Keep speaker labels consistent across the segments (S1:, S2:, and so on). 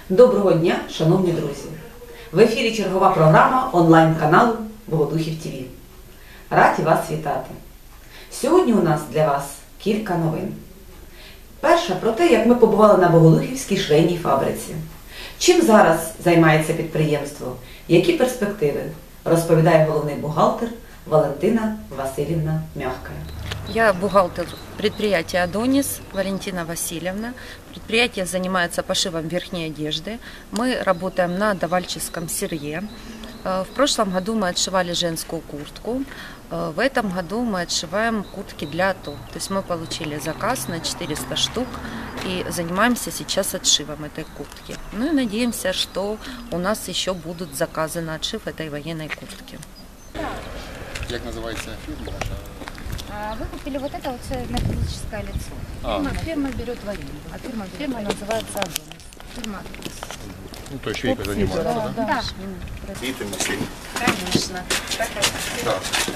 S1: Доброго дня, шановні друзі! В ефірі чергова програма онлайн-каналу Богодухів ТВ. Раді вас вітати! Сьогодні у нас для вас кілька новин. Перша про те, як ми побували на Богодухівській швейній фабриці. Чим зараз займається підприємство, які перспективи, розповідає головний бухгалтер Валентина Васильівна Мягкая.
S2: Я бухгалтер предприятия «Адонис» Валентина Васильевна. Предприятие занимается пошивом верхней одежды. Мы работаем на давальческом сырье. В прошлом году мы отшивали женскую куртку. В этом году мы отшиваем куртки для АТО. То есть мы получили заказ на 400 штук и занимаемся сейчас отшивом этой куртки. Ну и надеемся, что у нас еще будут заказы на отшив этой военной куртки.
S3: Как называется фирма ваша?
S4: Вы купили вот это вот металлическое лицо. Фирма берет в аренду. А фирма называется «Адонис». Фирма «Адонис».
S3: Ну, то есть швейка занимается, да?
S4: Да.
S3: И ты машина.
S4: Конечно.
S3: Да.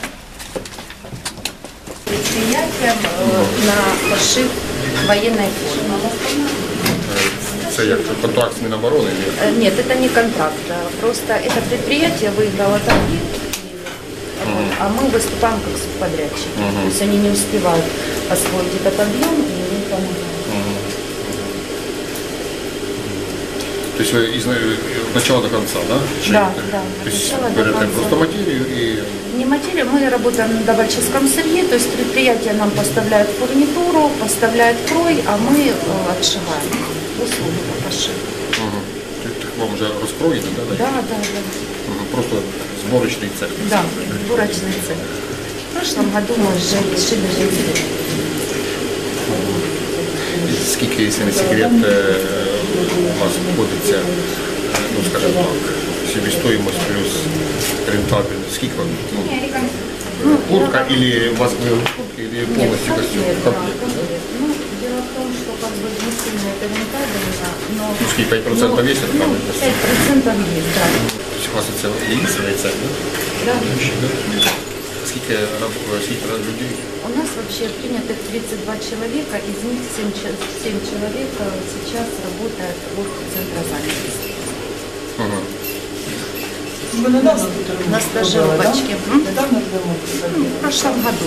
S2: Предприятием на пошив военной формы.
S3: Это как контракт с Минобороны?
S2: Нет, это не контракт. Просто это предприятие выиграло торги, а мы выступаем как субподрядчики. То есть они не успевают освоить этот объем, и мы помогаем.
S3: То есть вы от начала до конца, да?
S2: Да.
S3: То есть говорят просто материю и...
S2: Не материя, мы работаем на давальческом сырье, то есть предприятие нам поставляет фурнитуру, поставляет крой, а мы отшиваем услуги по пошиву.
S3: Вам уже раскроено, да?
S2: Да.
S3: Просто сборочный цех.
S2: Да, сборочный цех. В прошлом году мы шили женские.
S3: Сколько, если не секрет, у вас обходится, ну скажем так, себестоимость плюс рентабельность? Сколько? Ну, куртка или у вас куртка или полностью костюм?
S2: Ну, дело в том, что как бы не сильно это рентабельно, но...
S3: Ну, сколько, 5% весит?
S2: 5% есть, да.
S3: То есть у вас это единственная цель, да?
S2: Да.
S3: Сколько людей?
S2: У нас вообще принято 32 человека, из них 7 человек сейчас работает в центре занятости.
S5: Вы недавно
S2: На стажировочке.
S5: Недавно
S2: В прошлом году.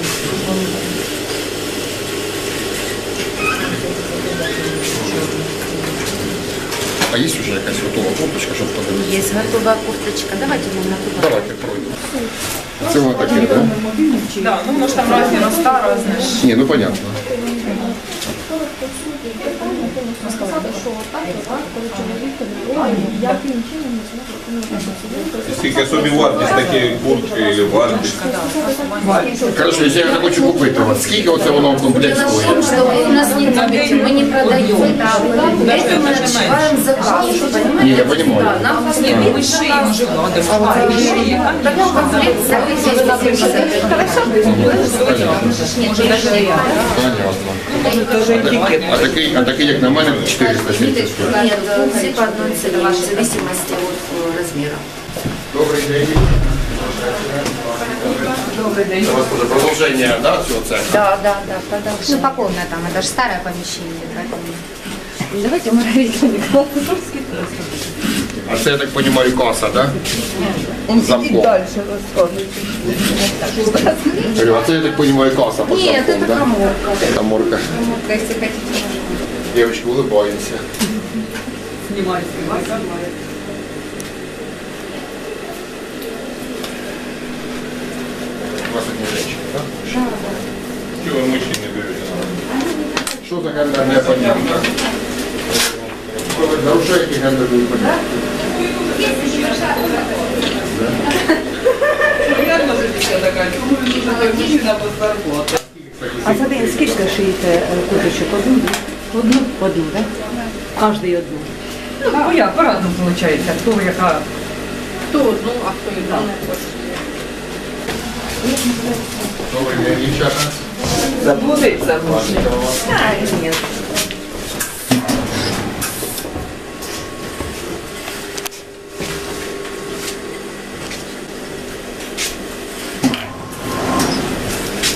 S3: А есть уже какая-то готовая курточка, чтобы подивитися?
S2: Есть готовая курточка. Давайте мы на туда.
S3: Давайте пройдем. Це воно таке, да?
S5: Да, ну может там разные места разные.
S3: Не, ну понятно.
S6: Скільки собі вартість такі куртки или вартість?
S3: Хорошо, если я захочу купити у вас, скільки оце воно в комплекті стоїть?
S2: Что вы у нас не купите, мы не продаем. Это мы отшиваем заказ.
S3: Не, я понимаю.
S2: Нам
S5: Мы шием уже вкладываем.
S2: такой комплект за 1000.
S5: Может даже и
S3: Понятно. А такий, як на мене, 470 стоїть.
S2: Нет, все по одной цене, в зависимости от размера.
S3: Добрий день.
S5: добрый день.
S3: Це у вас уже продовження, да, цього цеху?
S2: Да, продолжим.
S4: Ну, по комнатам, это же старое помещение. Поэтому...
S2: Давайте мы говорим.
S3: А це, я так розумію, каса, да? Замком. Говорю, а це, я так розумію, каса под
S2: Нет,
S3: замком,
S2: это
S3: да?
S2: каморка.
S3: Каморка.
S2: Каморка, если хотите.
S3: Девочки, улыбаемся.
S5: Снимай.
S3: У вас одни женщины, да?
S6: Чого ви мужчин не берете?
S3: Что за гендерное понятие? Нарушение гендерного понятия.
S5: Реально же все такая, кому нужна мужчина под зарплату.
S1: А ви скільки шиєте курточок? Одну? Одну, так? Кожний одну.
S5: Ну, я по-разному получается. Кто яка? Кто одну, а кто и одну.
S3: Добрый день, девчата.
S5: Заблудиться можно.
S1: А, ні.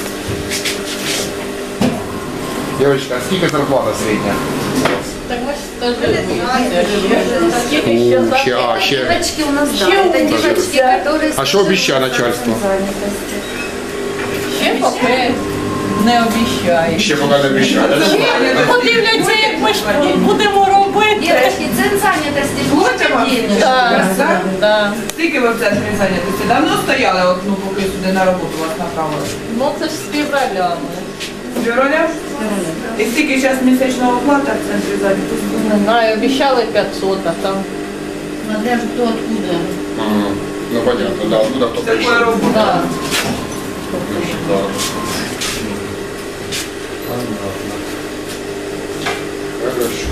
S3: Девочка, а сколько зарплата средняя?
S4: Так,
S3: Ще.
S2: Девочки у нас, да, это девочки, которые...
S3: А що обіцяє начальство?
S5: Ще поки не обіцяє.
S3: Ще поки не обіцяє.
S5: Подивляться, як ми ж будемо робити.
S2: Девочки, центр занятости, будете денег?
S5: Так.
S7: Скільки ви в центрі зайнятості? Давно стояли, от, ну, поки сюди на роботу вас направили?
S5: Ну це ж з февраля ми.
S7: З февраля? І скільки зараз місячного оплата в центрі зайнятості?
S5: Не знаю, обіцяли 500, а там.
S2: Смотря кто откуда.
S3: Ага. Ну понятно, да, откуда хто
S7: Такої
S3: прийшов.
S7: роботи.
S5: Да.
S3: Да. Понятно. Хорошо.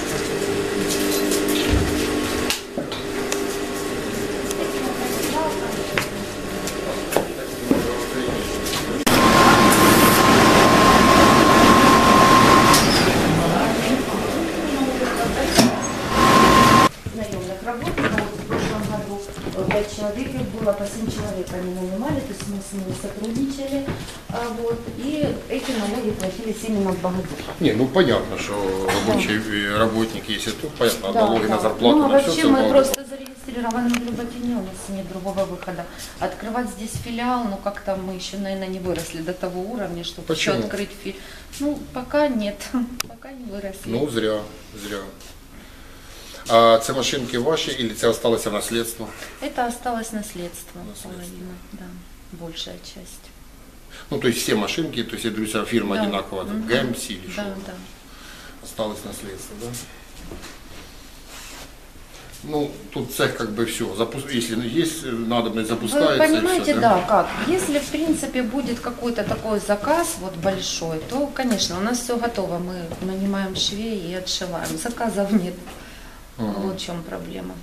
S4: наемных работников. Вот в прошлом году 5 человек их было, по 7 человек они нанимали, то есть мы с ними сотрудничали. Вот, и эти налоги платились именно в Богодухах.
S3: Не, ну понятно, что рабочий работник, если тут, понятно, налоги на зарплату,
S4: Ну, а
S3: на все
S4: вообще мы просто зарегистрированы в Люботине, у нас нет другого выхода. Открывать здесь филиал, ну как-то мы еще, наверное, не выросли до того уровня, чтобы еще
S3: Почему?
S4: открыть филиал. Ну, пока нет, пока не выросли.
S3: Ну, зря. А це машинки ваші, или це осталось в наследство?
S4: Это осталось наследство, половина, да, большая часть.
S3: Ну, то есть все машинки, то есть, я говорю, фирма
S4: Да.
S3: одинаковая,
S4: Мгм.
S3: ГМС или что?
S4: Да, да.
S3: Осталось наследство, да? Ну, тут цех как бы все, если есть надобность, запускается.
S4: Вы понимаете,
S3: и все,
S4: да, как? Если, в принципе, будет какой-то такой заказ вот большой, то, конечно, у нас все готово. Мы нанимаем швей и отшиваем. Заказов нет. Вот в чем проблема.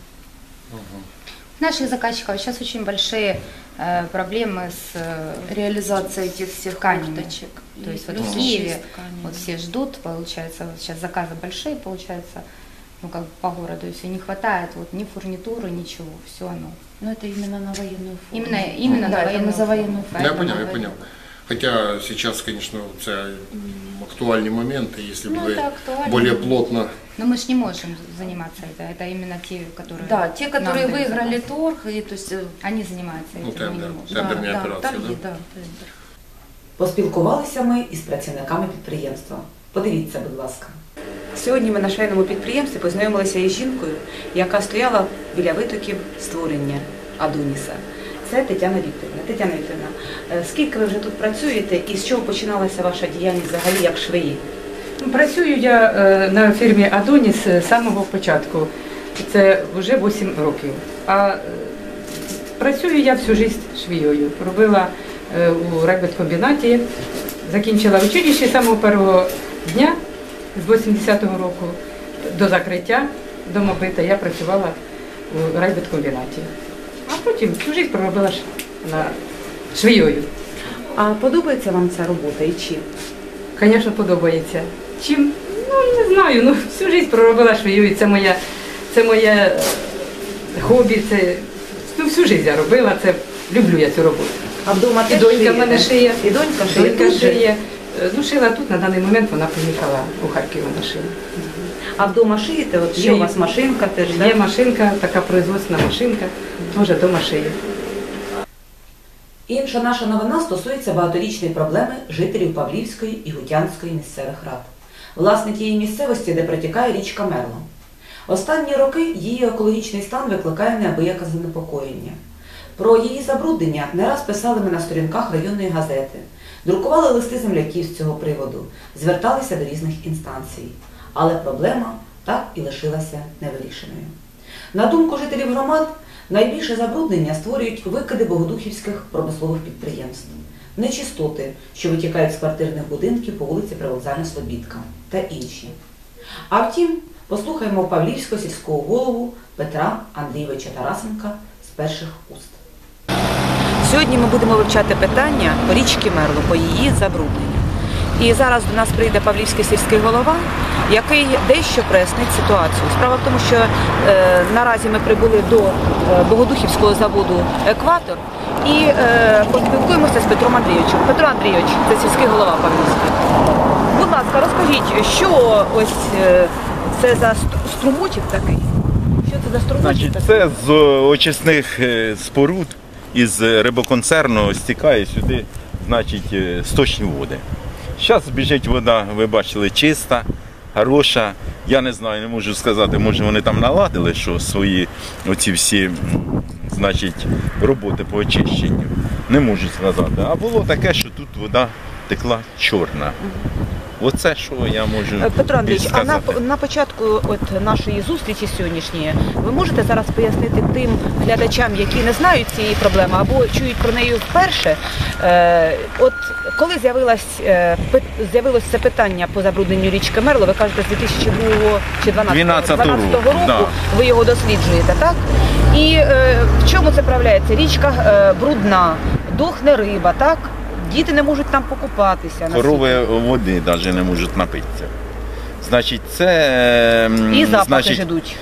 S8: Наших заказчиков сейчас очень большие проблемы с
S4: Реализация этих всех
S8: тканями.
S4: курточек.
S8: То есть вот
S4: плюс
S8: в
S4: еще
S8: Киеве
S4: с тканями.
S8: вот все ждут, получается, вот сейчас заказы большие, получается, ну как бы по городу, и все не хватает, вот ни фурнитуры, ничего, все оно.
S4: Но это именно на военную форму.
S8: Именно
S4: да,
S8: на
S4: это
S8: военную
S4: мы за
S8: форму.
S4: военную
S3: Ну,
S4: форму.
S3: я понял, я понял. Хотя сейчас, конечно, це актуальні моменти, если бы
S8: Ну,
S3: вы
S8: это актуально.
S3: более плотно.
S8: Но мы же не можем заниматься это именно те, которые...
S4: Да, те, которые
S8: нам дают
S4: выиграли
S8: заказ.
S4: торг, и, то есть,
S8: Они занимаются
S3: Ну,
S8: этим, мы
S3: тендер.
S8: не можем.
S3: Тендерні операції,
S4: торги,
S3: да?
S4: да, тендер.
S1: Поспілкувалися ми із працівниками підприємства. Подивіться, будь ласка. Сьогодні ми на швейному підприємстві познайомилися із жінкою, яка стояла біля витоків створення Адоніса. Це Тетяна Вікторівна. Тетяна Вікторівна, скільки ви вже тут працюєте і з чого починалася ваша діяльність взагалі як швеї?
S5: Працюю я на фірмі Адоніс з самого початку. Це вже 8 років. А працюю я всю життя швією. Робила у райбудкомбінаті, закінчила училище з самого першого дня, з 80-го року до закриття домобита я працювала у райбудкомбінаті. А потім всю життя проробила на швією.
S1: А подобається вам ця робота і чим?
S5: Звісно, подобається. Чим? Ну, не знаю, ну всю життя проробила швеєю, це моє хобі, це ну, всю життя я робила, це люблю я цю роботу.
S1: А вдома
S5: І
S1: теж
S5: донька
S1: шиєте?
S5: в мене шиє.
S1: І донька шиє?
S5: Донька
S1: Тут же?
S5: шиє. Ну, шила тут, на даний момент вона приїхала у Харків, вона шила.
S1: А вдома шиєте? От є
S5: Шию.
S1: у вас машинка теж,
S5: Є
S1: так?
S5: машинка, така производственна машинка, теж вдома шиє.
S1: Інша наша новина стосується багаторічної проблеми жителів Павлівської і Гутянської місцевих рад. Власне, тієї місцевості, де протікає річка Мерло. Останні роки її екологічний стан викликає неабияке занепокоєння. Про її забруднення не раз писали ми на сторінках районної газети, друкували листи земляків з цього приводу, зверталися до різних інстанцій. Але проблема так і лишилася невирішеною. На думку жителів громад, найбільше забруднення створюють викиди богодухівських промислових підприємств, нечистоти, що витікають з квартирних будинків по вулиці Привокзальна Слобідка та інші. А втім, послухаємо Павлівського сільського голову Петра Андрійовича Тарасенка з перших уст. Сьогодні ми будемо вивчати питання по річці Мерло, по її забрудненню. І зараз до нас прийде Павлівський сільський голова, який дещо прояснить ситуацію. Справа в тому, що наразі ми прибули до Богодухівського заводу «Екватор» і поспілкуємося з Петром Андрійовичем. Петро Андрійович, це сільський голова Павлівський. Будь ласка, розкажіть, що ось це за струмочок такий? Що це за струмочок
S9: Значить,
S1: такий?
S9: це з очисних споруд із рибоконцерну стікає сюди, значить, сточні води. Зараз біжить вода, ви бачили, чиста, хороша. Я не знаю, не можу сказати, може вони там наладили, що свої оці всі, значить, роботи по очищенню. Не можу сказати. А було таке, що тут вода текла чорна. Оце, що я можу
S1: Петро Андрійович, а
S9: сказати.
S1: на початку нашої зустрічі сьогоднішньої ви можете зараз пояснити тим глядачам, які не знають цієї проблеми або чують про неї вперше, от коли з'явилось це питання по забрудненню річки Мерло, ви кажете, з 2002 чи 2012 року
S9: да.
S1: ви його досліджуєте, так? І в чому це проявляється? Річка брудна, дохне риба, так? Діти не можуть там покупатися.
S9: Корови води навіть не можуть напитися. Значить, це...
S1: І запахи
S9: значить,
S1: ж ідуть.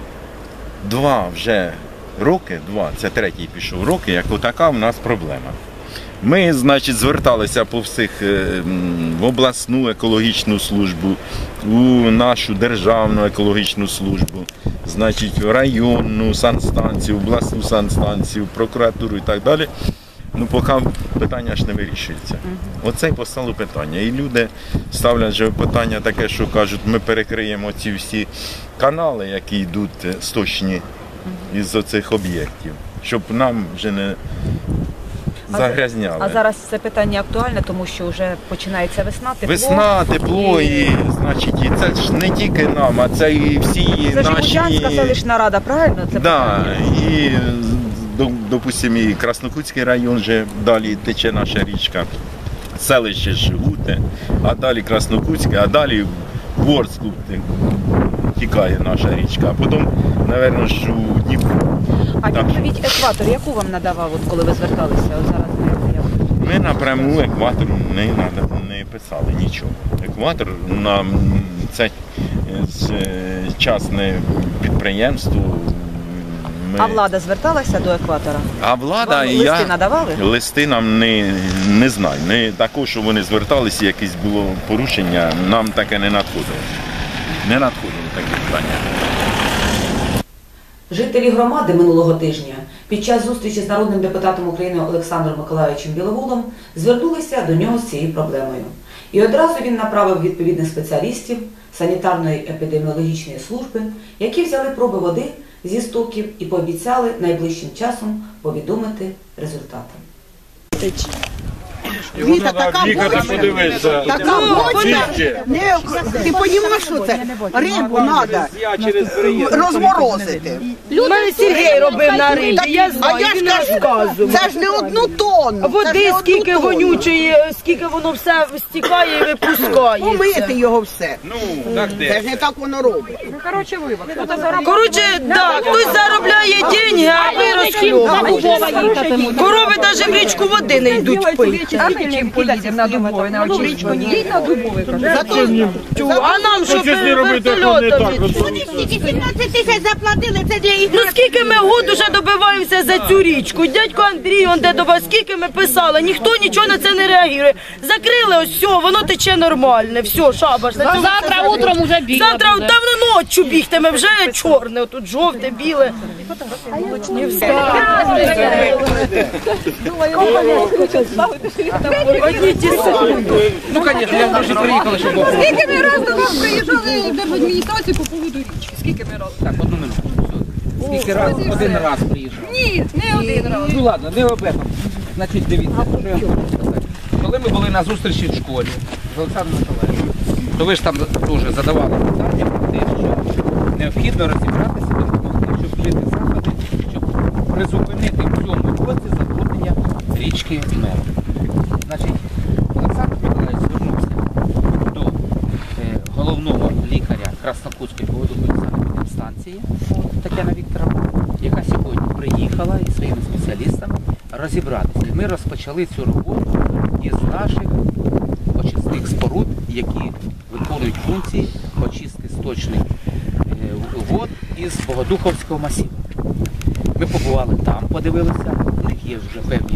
S9: 2 вже роки, це третій пішов роки, як отака в нас проблема. Ми, значить, зверталися по всіх в обласну екологічну службу, у нашу державну екологічну службу, значить, в районну санстанцію, обласну санстанцію, в прокуратуру і так далі. Ну, поки питання ж не вирішується. Оце й постало питання. І люди ставлять же питання таке, що кажуть, ми перекриємо ці всі канали, які йдуть сточні із оцих об'єктів, щоб нам вже не загрязняли.
S1: А зараз це питання актуальне, тому що вже починається весна, тепло.
S9: Весна, тепло, і, значить, і це ж не тільки нам, а це і всі
S1: це
S9: наші...
S1: ж Бучанська селищна рада, правильно? Це
S9: да,
S1: питання?
S9: і, допустимо, і Краснокутський район вже далі тече наша річка, селище Жгуте, а далі Краснокутське, а далі в Ворску тікає наша річка, а потім, мабуть, ж у Дніпро.
S1: А відповідь екватор, яку вам надавав, от коли ви зверталися? От зараз
S9: ми напряму екватору не писали нічого. Екватор нам це частне підприємство.
S1: А влада зверталася до екватора?
S9: А влада
S1: вам листи надавали?
S9: Листи нам не знаю. Не також, що вони зверталися, якесь було порушення, нам таке не надходило. Не надходило таке питання.
S1: Жителі громади минулого тижня під час зустрічі з народним депутатом України Олександром Миколайовичем Біловолом звернулися до нього з цією проблемою. І одразу він направив відповідних спеціалістів санітарної епідеміологічної служби, які взяли проби води зі стоків і пообіцяли найближчим часом повідомити результати.
S10: Віта, така бочка, така бочка, ти розумієш, що це? Рибу треба розморозити.
S11: У мене Сергій робив на рибі, я знаю, він розказував.
S10: Це ж не 1 тонну.
S11: Води скільки вонючої, скільки воно все стікає і випускає.
S10: Помити його все. Це ж не так воно робить.
S11: Коротше, так, хтось заробляє гроші, а ви розхльовуєте. Корови навіть в річку води не йдуть пити.
S7: Чим поїдемо на Дубове, на Очрічку? Їдь на Дубове, кажу.
S11: А нам що вертольотом
S10: Вони стільки 17 тисяч заплатили, це для їх.
S11: Ну скільки ми год уже добиваємося за цю річку? Дядько Андрій, он де до вас, скільки ми писали, ніхто нічого на це не реагує. Закрили, ось все, воно тече нормальне, все, шабаш.
S12: Завтра утром уже бігти.
S11: Завтра давно ночі бігтиме, вже чорне, тут жовте, біле. Не все. Одні ті самі.
S7: Ну, звісно, я вже приїхала, щоб було.
S12: Скільки ми раз до вас приїжджали в держадміністрацію по поводу річки? Скільки ми раз?
S7: Так, 1 минуту. Скільки раз? 1 раз приїжджав.
S12: Ні, не 1 раз.
S7: Ну ладно, не об этом. Значить, дивіться, що я хочу сказати. Коли ми були на зустрічі в школі з Олександром Миколаївичем, то ви ж там дуже задавали питання про те, що необхідно розібратися, допомогти, щоб вжити заходи, щоб призупинити в цьому році забруднення річки Мерло. Значить, Олександр Миколаївич звернувся до головного лікаря Краснокутської водоканальної станції Тетяни Вікторовни, яка сьогодні приїхала із своїми спеціалістами розібратися. І ми розпочали цю роботу із наших очисних споруд, які виконують функції очистки сточних вод із Богодуховського масиву. Ми побували там, подивилися, у них є вже певні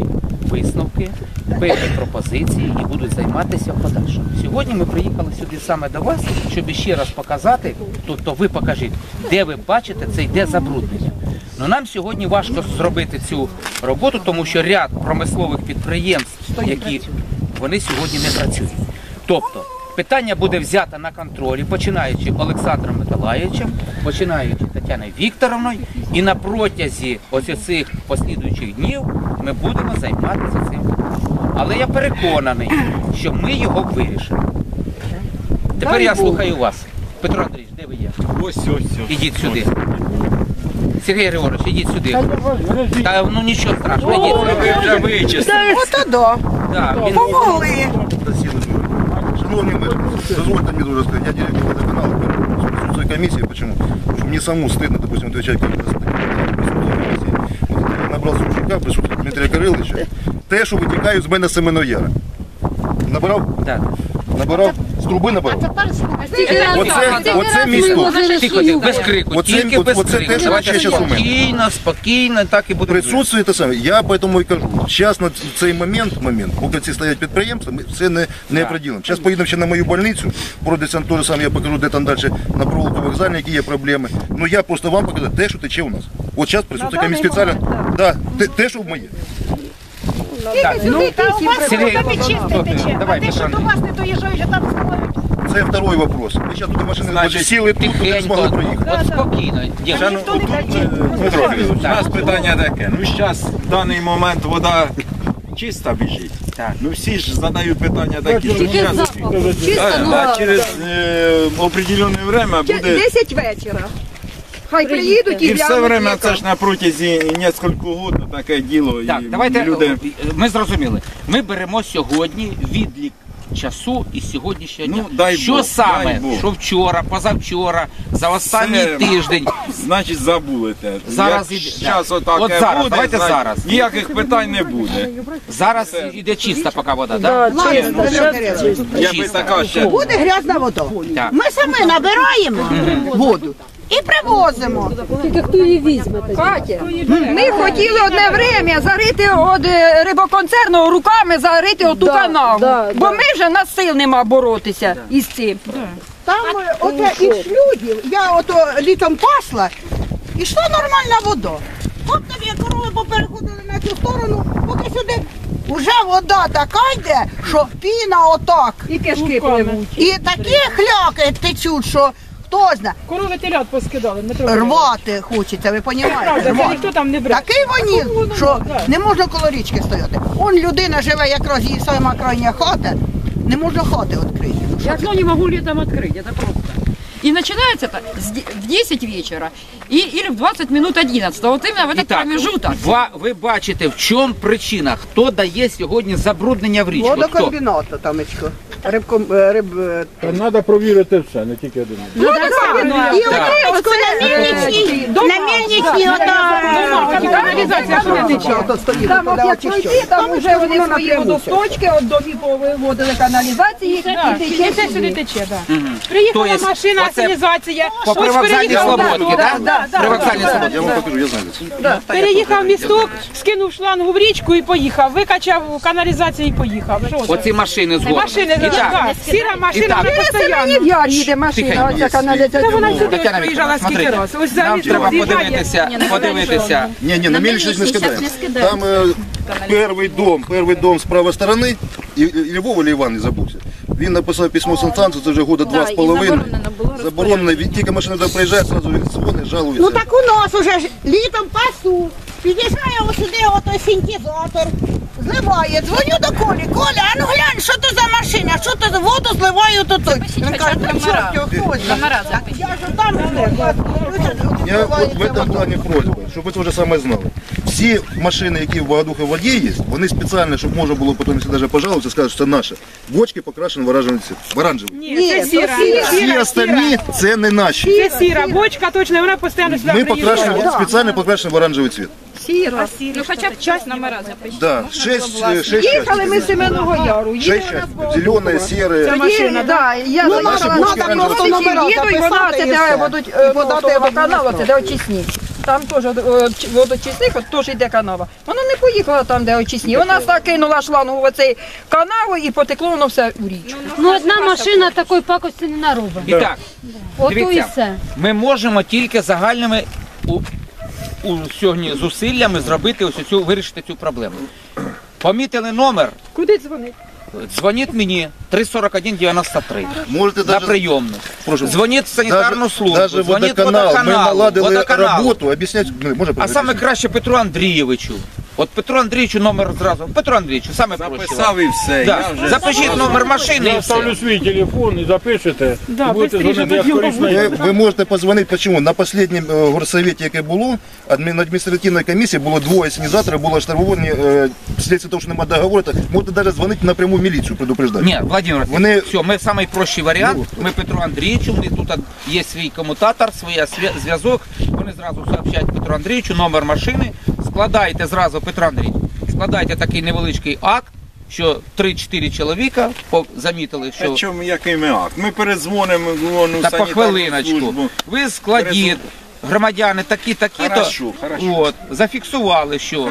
S7: висновки, певні пропозиції і будуть займатися в подальшому. Сьогодні ми приїхали сюди саме до вас, щоб ще раз показати, тобто ви покажіть, де ви бачите це йде забруднення. Но нам сьогодні важко зробити цю роботу, тому що ряд промислових підприємств, які вони сьогодні не працюють. Тобто питання буде взято на контролі, починаючи Олександром Миколаївичем, починаючи Тетяною Вікторовною, і на протязі ось цих послідуючих днів ми будемо займатися цим. Але я переконаний, що ми його вирішимо. Тепер я слухаю вас. Петро Андрійович, де ви є?
S9: Ось.
S7: Ідіть сюди. Сергій Григорович, ідіть сюди. Та ну нічого страшного, ідіть.
S9: Ви вже вичислили.
S10: Ото да.
S7: Да, він...
S10: Помогли.
S13: Шановні мешканці, дозвольте мені дуже сказати, я директор водоканалу, присутствую комиссии, почему? Потому что мне самому стыдно, допустим, отвечать как-то за комиссии. Вот я набрал Сушука, присутствую Дмитрия Кириловича, те, що витікає з мене з Семеного Яру. Набирав?
S7: Так.
S13: Набирав? З труби набирав? Оце місто.
S7: Тихо, без крику, тільки без крику. Давайте спокійно, спокійно, так і буде.
S13: Присутствує те саме. Я поэтому і кажу, зараз на цей момент, поки ці стоять підприємства, ми все не приділимо. Зараз поїдемо ще на мою больницю, пройдеться те саме, я покажу, де там далі на провулку вокзальній, які є проблеми. Ну я просто вам покажу те, що тече у нас. От зараз присутствує комісія спеціально. Да, те, що в моє.
S7: Сергій, давай, Петро
S12: До вас не доїжджають, а там стоять.
S13: Це второй вопрос. Ми зараз туди машини сіли, тут не змогли проїхати.
S7: От спокійно.
S9: У нас питання таке. Ну зараз в даний момент вода чиста біжить. Ну всі ж задають питання такі, що зараз через определенне время буде...
S12: 10 вечора. Хай приїдуть
S9: і все время, це ж на протязі нескільки років таке діло.
S7: Так, давайте, ми зрозуміли. Ми беремо сьогодні відлік часу і сьогоднішнього дня. Що саме, що вчора, позавчора, за останній тиждень.
S9: Значить, забудете.
S7: Зараз
S9: зараз отаке буде,
S7: давайте зараз.
S9: Ніяких питань не буде.
S7: Зараз іде чиста поки вода, так?
S10: Буде грязна вода. Ми самі набираємо воду і привозимо.
S12: Тільки хто її візьме? Катя, ми хотіли одне время зарити від рибоконцерну руками, зарити оту канаву. Бо ми вже на сил нема боротися із цим.
S10: Там оте із шлюдів, я ото літом пасла, і йшла нормальна вода. От тобі корови попереходили на цю сторону, поки сюди. Уже вода така йде, що піна отак.
S12: І кишки пливуть.
S10: І такі хляки течуть, що хто знає.
S12: Корови телят поскидали.
S10: Рвати хочеться, ви розумієте? Такий вонів, що не можна коло річки стояти. Он людина живе, якраз її сама крайня хата, не можна хати відкрити.
S12: Я окно не могу летом открыть, это просто. И начинается это в 10 вечера или в 20 минут 11. Вот именно в этот промежуток.
S7: Ви бачите, в чому причина, хто дає сьогодні забруднення в річку?
S10: Водокомбінату, тамечко.
S14: Треба провірити все, не тільки один.
S10: І на мельничній
S12: Каналізація що не тече. Там от як пройти, там вже вони свої водосточки, от домі повиводили каналізації. І це сюди тече, так. Приїхала машина, асенізація.
S7: По привокзальній Слободці, так? Привокзальній Слободці.
S13: Я вам покажу, я знаю це.
S12: Переїхав місток, скинув шлангу в річку і поїхав. Викачав каналізацію і поїхав.
S7: Оці машини згодом.
S12: Машини, сіра машина вже постійно. Я їде машина, оця каналізація. Та вона сюди приїжджала скільки раз. Ось
S7: нам треба подивитися.
S13: Ні, на мельничність не скидаємо. Там перший дом з правої сторони, і Вова или Іван, не забувся. Він написав письмо санстанцію, це вже года 2,5. Заборонено, тільки машина туди приїжджає, одразу він дзвонить, жалується.
S10: Ну так у нас уже ж літом пасу. Під'їжджає ось сюди отой синтезатор, зливає, дзвоню до Колі. Коля, а ну глянь, що то за машина, що то за воду зливає тут. Він каже, ну чорт, хтось. Я ж там
S13: Я от в этом плані просьба, щоб ви це вже саме знали. Всі машини, які в Богодуховій воді є, вони спеціально, щоб можна було потім, якщо навіть пожалуватися, сказати, що це наше. Бочки покрашені в оранжевий цвіт. В оранжевий.
S12: Ні, це сіра.
S13: Всі остальні це не наші.
S12: Це сіра бочка, точно, вона постійно сюди
S13: Ми
S12: приїжджає.
S13: спеціально покрашені в оранжевий цвіт.
S12: Сіра. Ну хоча б часть номера запишіть.
S13: Да, 6
S12: Їхали ми з Семеного Яру.
S13: 6 частей. Зелене, сіре.
S12: Це машина, так. Я
S13: наші бочки оранжеві.
S12: їду, і вона це де будуть водати канал, це де очисні. там теж водочисних, от теж йде канава. Вона не поїхала там, де очисні. Вона кинула шлангу в цей канаву і потекло воно все у річку.
S15: Ну одна машина такої пакості не наробить.
S7: І так,
S15: Ото і
S7: дивіться,
S15: все.
S7: ми можемо тільки загальними сьогодні зусиллями зробити вирішити цю проблему. Помітили номер?
S12: Куди дзвонити?
S7: Дзвоніть мені 341-93
S13: Можете
S7: на прийомну. Дзвоніть в санітарну службу,
S13: Даже
S7: дзвоніть
S13: водоканал, ми наладили
S7: водоканалу.
S13: роботу, об'яснять, може
S7: А саме краще Петру Андрійовичу. От Петру Андрійовичу номер зразу. Петру Андрійовичу, саме проще.
S6: Записав і все.
S7: Да.
S6: Я вже...
S7: Запишіть номер машини і
S14: Я
S7: все.
S14: ставлю свій телефон і запишете. І будете дзвонити, як корисно.
S13: Ви можете подзвонити, чому? На останньому горсовіті, яке було, на адміністративній комісії було двоє санізаторів, було штрафовані, вследствие того, що немає договору, можете навіть дзвонити напряму в міліцію, предупреждати.
S7: Ні, Владимир, все, ми найпрощий варіант, ми Петру Андрійовичу, ми тут є свій комутатор, свій зв'язок, вони зразу сообщають Петру Андрійовичу, номер машини, складайте зразу, Петро Андрійович, складайте такий невеличкий акт, що 3-4 чоловіка замітили, що...
S6: А чому, який ми акт? Ми передзвонимо в
S7: Та по хвилиночку. Ви складіть, громадяни такі-такі-то, от, зафіксували, що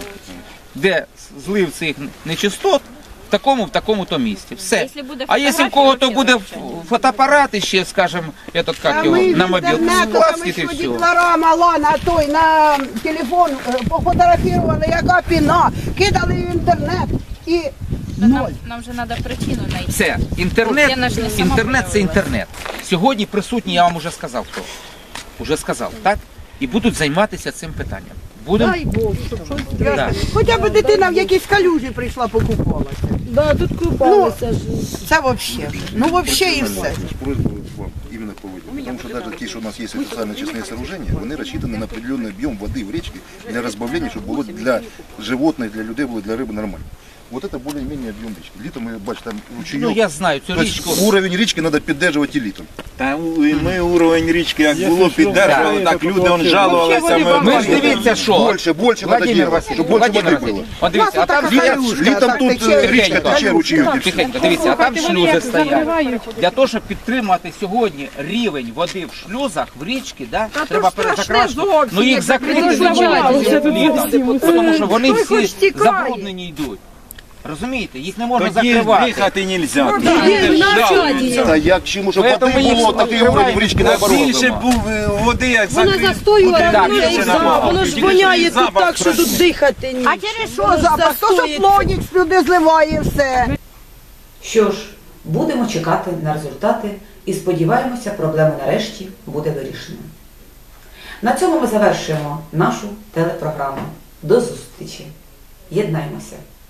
S7: де злив цих нечистот, в такому-то місці. Все. А якщо в кого-то буде фотоапарат ще, скажімо, на мобіл, скласти і все.
S10: Дітвора мала на той, на телефон пофотографували, яка піна, кидали в інтернет і ноль.
S15: Нам вже треба причину знайти.
S7: Все. Інтернет це інтернет. Сьогодні присутні, я вам уже сказав хто. Уже сказав, так? І будуть займатися цим питанням. Будемо?
S10: Дай Бог, щоб щось. Хоча б дитина в якійсь калюжі прийшла, покупалася.
S11: Да, тут купалися ж.
S10: Це взагалі вже. Ну взагалі і все.
S13: Именно по воде. Потому что даже те, что у нас есть официально очистные сооружения, они рассчитаны на определенный объем воды в речке для разбавления, чтобы было для животных, для людей, было для рыбы нормально. Вот это более-менее объем речки. Літом ми бачимо там ручейок.
S7: Ну я знаю цю річку.
S13: Уровень річки треба підтримувати літом.
S6: Та ми уровень річки як було піддержували, так люди жалувалися.
S7: Ми ж дивіться, що.
S13: Більше треба робити, щоб більше води було.
S7: От дивіться, а там
S13: літом тут річка тече, ручейок.
S7: Тихенько, дивіться, а там шлюзи стоять. Для того, щоб підтримати сьогодні рівень води в шлюзах, в річці, треба перезакрашувати. Ну їх закрити літом, тому що вони всі забруднені йдуть. Розумієте, їх не можна закривати.
S6: Дихати не можна.
S13: Та як чому, щоб води було, такий уровень в річці наоборот.
S6: Більше був води, як
S15: Вона застоює,
S11: воно ж воняє тут так, що тут дихати ні.
S10: А через що запах? То, що плонік сюди зливає все.
S1: Що ж, будемо чекати на результати і сподіваємося, проблема нарешті буде вирішена. На цьому ми завершуємо нашу телепрограму. До зустрічі. Єднаймося.